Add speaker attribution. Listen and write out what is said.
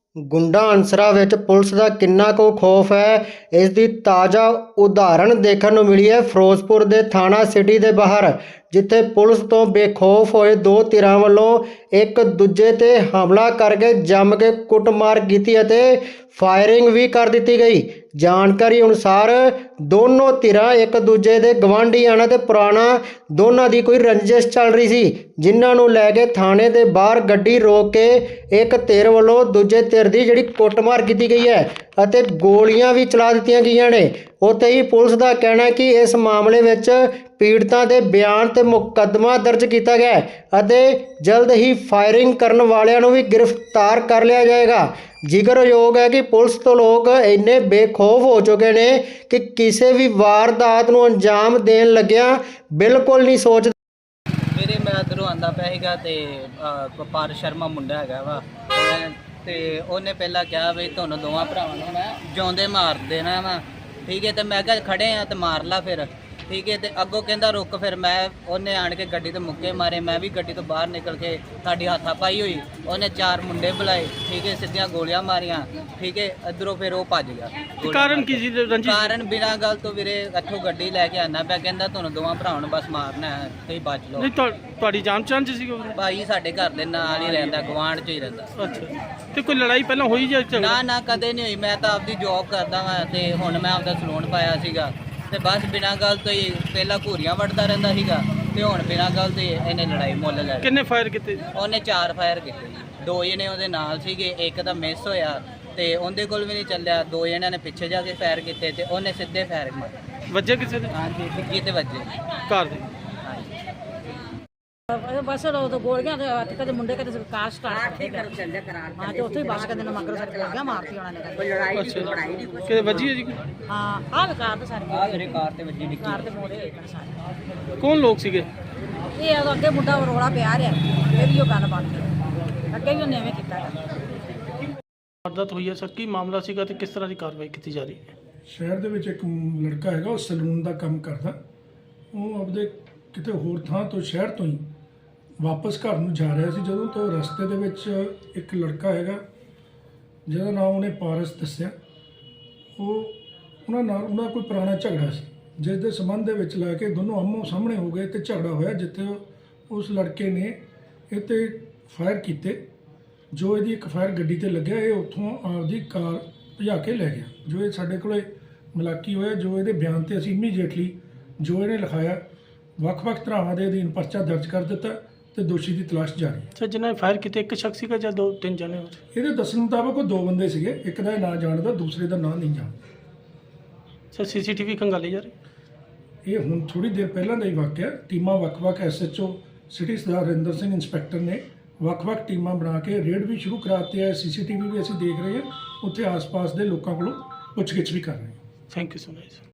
Speaker 1: ਗੁੰਡਾ ਅਨਸਰਾਂ ਵਿੱਚ ਪੁਲਿਸ ਦਾ ਕਿੰਨਾ ਕੁ ਖੌਫ ਹੈ, ਇਸ ਦੀ ਤਾਜ਼ਾ ਉਦਾਹਰਣ ਦੇਖਣ ਨੂੰ ਮਿਲੀ ਹੈ ਫਿਰੋਜ਼ਪੁਰ ਦੇ ਥਾਣਾ ਸਿਟੀ ਦੇ ਬਾਹਰ, ਜਿੱਥੇ ਪੁਲਿਸ ਤੋਂ ਬੇਖੌਫ ਹੋਏ ਦੋ ਧਿਰਾਂ ਵੱਲੋਂ ਇੱਕ ਦੂਜੇ ਤੇ ਹਮਲਾ ਕਰਕੇ ਜੰਮ ਕੇ ਕੁੱਟਮਾਰ ਕੀਤੀ ਅਤੇ ਫਾਇਰਿੰਗ ਵੀ ਕਰ ਦਿੱਤੀ ਗਈ। ਜਾਣਕਾਰੀ ਅਨੁਸਾਰ ਦੋਨੋਂ ਧਿਰਾਂ ਇੱਕ ਦੂਜੇ ਦੇ ਗਵਾਂਢੀ ਹਨ ਅਤੇ ਪੁਰਾਣਾ ਦੋਨਾਂ ਦੀ ਕੋਈ ਰੰਜਿਸ਼ ਚੱਲ ਰਹੀ ਸੀ, ਜਿਨ੍ਹਾਂ ਨੂੰ ਲੈ ਕੇ ਥਾਣੇ ਦੇ ਬਾਹਰ ਗੱਡੀ ਰੋਕ ਕੇ ਇੱਕ ਧਿਰ ਵੱਲੋਂ ਦੂਜੇ ਧਿਰ ਦੀ ਜਿਹੜੀ ਕੁੱਟਮਾਰ ਕੀਤੀ ਗਈ ਹੈ ਅਤੇ ਗੋਲੀਆਂ ਵੀ ਚਲਾ ਦਿੱਤੀਆਂ ਗਈਆਂ ਨੇ। ਉੱਥੇ ਹੀ ਪੁਲਿਸ ਦਾ ਕਹਿਣਾ ਹੈ ਕਿ ਇਸ ਮਾਮਲੇ ਵਿੱਚ ਪੀੜਤਾਂ ਦੇ ਬਿਆਨ ਤੇ ਮੁਕੱਦਮਾ ਦਰਜ ਕੀਤਾ ਗਿਆ ਹੈ ਅਤੇ ਜਲਦ ਹੀ ਫਾਇਰਿੰਗ ਕਰਨ ਵਾਲਿਆਂ ਨੂੰ ਵੀ ਗ੍ਰਿਫਤਾਰ ਕਰ ਲਿਆ ਜਾਏਗਾ। ਜ਼ਿਕਰਯੋਗ ਹੈ ਕਿ ਪੁਲਿਸ ਤੋਂ ਲੋਕ ਇੰਨੇ ਬੇਖੌਫ ਹੋ ਚੁੱਕੇ ਨੇ ਕਿ ਕਿਸੇ ਵੀ ਵਾਰਦਾਤ ਨੂੰ ਅੰਜਾਮ ਦੇਣ ਲੱਗਿਆਂ ਬਿਲਕੁਲ ਨਹੀਂ ਸੋਚਦੇ।
Speaker 2: ਮੇਰੇ ਮੈਂ ਇੱਧਰੋਂ ਆਉਂਦਾ ਪਿਆ ਸੀਗਾ ਤੇ ਵਪਾਰ ਸ਼ਰਮਾ ਮੁੰਡਾ ਹੈਗਾ ਵਾ ਤੇ ਉਹਨੇ ਪਹਿਲਾਂ ਕਿਹਾ ਵੀ ਤੁਹਾਨੂੰ ਦੋਵਾਂ ਭਰਾਵਾਂ ਨੂੰ ਮੈਂ ਜਿਉਂਦੇ ਮਾਰ ਦੇਣਾ ਵਾ, ਠੀਕ ਹੈ। ਤੇ ਮੈਂ ਕਿਹਾ ਖੜੇ ਆ ਤੇ ਮਾਰ ਲਾ ਫਿਰ, ਠੀਕ ਹੈ। ਤੇ ਅੱਗੋਂ ਕਹਿੰਦਾ ਰੁਕ, ਫਿਰ ਮੈਂ ਉਹਨੇ ਆਣ ਕੇ ਗੱਡੀ ਤੇ ਮੁੱਕੇ ਮਾਰੇ, ਮੈਂ ਵੀ ਗੱਡੀ ਤੋਂ ਬਾਹਰ ਨਿਕਲ ਕੇ ਸਾਡੀ ਹੱਥਾ ਪਾਈ ਹੋਈ, ਉਹਨੇ ਚਾਰ ਮੁੰਡੇ ਬੁਲਾਏ, ਠੀਕ ਹੈ, ਸਿੱਧੀਆਂ ਗੋਲੀਆਂ ਮਾਰੀਆਂ, ਠੀਕ ਹੈ। ਇੱਧਰੋਂ ਫਿਰ ਉਹ ਭੱਜ ਗਿਆ।
Speaker 3: ਕਾਰਨ ਕੀ ਸੀ ਰੰਜਿਸ਼?
Speaker 2: ਕਾਰਨ ਬਿਨਾਂ ਗੱਲ ਤੋਂ ਵੀਰੇ ਇੱਥੋਂ ਗੱਡੀ ਲੈ ਕੇ ਆਣਾ ਪਿਆ, ਕਹਿੰਦਾ ਤੁਹਾਨੂੰ ਦੋਵਾਂ ਭਰਾਵਾਂ ਨੂੰ ਬਸ ਮਾਰਨਾ ਹੈ, ਤੁਸੀਂ ਬਚ ਲਓ।
Speaker 3: ਨਹੀਂ ਤੁਹਾਡੀ ਜਾਣ ਪਛਾਣ ਚ ਸੀ ਉਹ?
Speaker 2: ਭਾਈ ਸਾਡੇ ਘਰ ਦੇ ਨਾਲ ਹੀ ਰਹਿੰਦਾ, ਗੁਆਂਢ 'ਚ ਹੀ ਰਹਿੰਦਾ।
Speaker 3: ਅੱਛਾ, ਤੇ ਕੋਈ ਲੜਾਈ ਪਹਿਲਾਂ ਹੋਈ ਜਾਂ ਝਗੜਾ?
Speaker 2: ਨਾ ਕਦੇ ਨਹੀਂ ਹੋਈ। ਮੈਂ ਤਾਂ ਆਪਦੀ ਜੌਬ ਕਰਦਾ ਵਾਂ ਤੇ ਹੁਣ ਮੈਂ ਆਪਦਾ ਸਲੂਨ ਪਾਇਆ ਸੀਗਾ ਤੇ ਬਸ ਬਿਨਾਂ ਗੱਲ ਤੋਂ ਹੀ ਪਹਿਲਾਂ ਘੂਰੀਆਂ ਵੱਢਦਾ ਰਹਿੰਦਾ ਸੀਗਾ ਤੇ ਹੁਣ ਬਿਨਾਂ ਗੱਲ ਤੋਂ ਇਹਨੇ ਲੜਾਈ ਮੁੱਲ ਲੈ ਲਈ।
Speaker 3: ਕਿੰਨੇ ਫਾਇਰ ਕੀਤੇ?
Speaker 2: ਉਹਨੇ 4 ਫਾਇਰ ਕੀਤੇ ਜੀ, 2 ਜਣੇ ਉਹਦੇ ਨਾਲ ਸੀਗੇ, ਇੱਕ ਤਾਂ ਮਿਸ ਹੋਇਆ ਤੇ ਉਹਦੇ ਕੋਲ ਵੀ ਨਹੀਂ ਚੱਲਿਆ। 2 ਜਣਿਆਂ ਨੇ ਪਿੱਛੇ ਜਾ ਕੇ ਫਾਇਰ ਕੀਤੇ ਤੇ ਉਹਨੇ ਸਿੱਧੇ ਫਾਇਰ ਮਾਰੇ।
Speaker 3: ਵੱਜੇ ਕਿਸੇ ਦੇ?
Speaker 2: ਹਾਂਜੀ, ਡਿੱਗੀ ਤੇ ਵੱਜੇ
Speaker 3: ਘਰ ਦੇ?
Speaker 4: बस गोलियां कदे मुंडे कदे कार स्टार्ट हाँ तो उत्थे बस कदे मगर सर गोलियां मारती उन्होंने
Speaker 3: कि वजी है जी?
Speaker 4: हाँ आ कार तो सारी
Speaker 2: मेरे कार ते वजी डिग्गी।
Speaker 4: कार ते मोड़े सारे
Speaker 3: कौन लोग सीगे?
Speaker 4: ये अगे मुंडा रोड़ा पिया रहा फिर भी गल बन गई, अगे भी उन्हें किया।
Speaker 3: वारदात हुई है सर, की मामला सीगा ते किस तरह की कार्रवाई की जा रही है?
Speaker 5: ਸ਼ਹਿਰ ਦੇ ਵਿੱਚ ਇੱਕ ਲੜਕਾ ਹੈਗਾ, ਉਹ ਸਲੂਨ ਦਾ ਕੰਮ ਕਰਦਾ। ਉਹ ਆਪਦੇ ਕਿਤੇ ਹੋਰ ਥਾਂ ਤੋਂ ਸ਼ਹਿਰ ਤੋਂ ਹੀ ਵਾਪਸ ਘਰ ਨੂੰ ਜਾ ਰਿਹਾ ਸੀ, ਜਦੋਂ ਤੋਂ ਰਸਤੇ ਦੇ ਵਿੱਚ ਇੱਕ ਲੜਕਾ ਹੈਗਾ ਜਿਹਦਾ ਨਾਮ ਉਹਨੇ ਪਾਰਸ ਦੱਸਿਆ। ਉਹਨਾਂ ਕੋਈ ਪੁਰਾਣਾ ਝਗੜਾ ਸੀ, ਜਿਸ ਦੇ ਸੰਬੰਧ ਦੇ ਵਿੱਚ ਲੈ ਕੇ ਦੋਨੋਂ ਆਮੋ ਸਾਹਮਣੇ ਹੋ ਗਏ ਤੇ ਝਗੜਾ ਹੋਇਆ, ਜਿੱਥੇ ਉਸ ਲੜਕੇ ਨੇ ਇਹ 'ਤੇ ਫਾਇਰ ਕੀਤੇ। ਜੋ ਇਹਦੀ ਇੱਕ ਫਾਇਰ ਗੱਡੀ ਤੇ ਲੱਗਿਆ, ਇਹ ਉੱਥੋਂ ਆਪਦੀ ਕਾਰ ਭਜਾ ਕੇ ਲੈ ਗਿਆ। ਜੋ ਇਹ ਸਾਡੇ ਕੋਲੇ ਮਲਾਕੀ ਹੋਇਆ, ਜੋ ਇਹਦੇ ਬਿਆਨ ਤੇ ਅਸੀਂ ਇਮੀਡੀਏਟਲੀ ਜੋ ਇਹਨੇ ਲਿਖਾਇਆ ਵੱਖ-ਵੱਖ ਧਾਰਾਵਾਂ ਦੇ ਅਧੀਨ ਪਰਚਾ ਦਰਜ ਕਰ ਦਿੱਤਾ ਤੇ ਦੋਸ਼ੀ ਦੀ ਤਲਾਸ਼ ਜਾਰੀ ਹੈ।
Speaker 3: ਸਰ ਜਿਨ੍ਹਾਂ ਨੇ ਫਾਇਰ ਕੀਤੇ ਇੱਕ ਸ਼ਖਸ ਸੀਗਾ ਜਾਂ 2-3 ਜਣੇ ਹੋਰ?
Speaker 5: ਇਹਦੇ ਦੱਸਣ ਮੁਤਾਬਕ ਉਹ 2 ਬੰਦੇ ਸੀਗੇ, ਇੱਕ ਦਾ ਨਾਂ ਜਾਣਦਾ, ਦੂਸਰੇ ਦਾ ਨਾਂ ਨਹੀਂ ਜਾਣਦਾ।
Speaker 3: ਸਰ ਸੀਸੀਟੀਵੀ ਖੰਗਾਲੀ ਜਾ ਰਹੀ?
Speaker 5: ਇਹ ਹੁਣ ਥੋੜੀ ਦੇਰ ਪਹਿਲਾਂ ਦਾ ਹੀ ਵਾਕਿਆ। ਟੀਮਾਂ ਵੱਖ-ਵੱਖ SHO city Sardar Harinder Singh inspector ਨੇ ਵੱਖ-ਵੱਖ ਟੀਮਾਂ ਬਣਾ ਕੇ ਰੇਡ ਵੀ ਸ਼ੁਰੂ ਕਰਾਤੇ ਹੈ। CCTV ਵੀ ਅਸੀਂ ਦੇਖ ਰਹੇ ਹਾਂ, ਉੱਥੇ ਆਸ-ਪਾਸ ਦੇ ਲੋਕਾਂ ਕੋਲੋਂ ਪੁੱਛਗਿੱਛ ਵੀ ਕਰ ਰਹੇ ਹਾਂ।
Speaker 3: Thank you so much.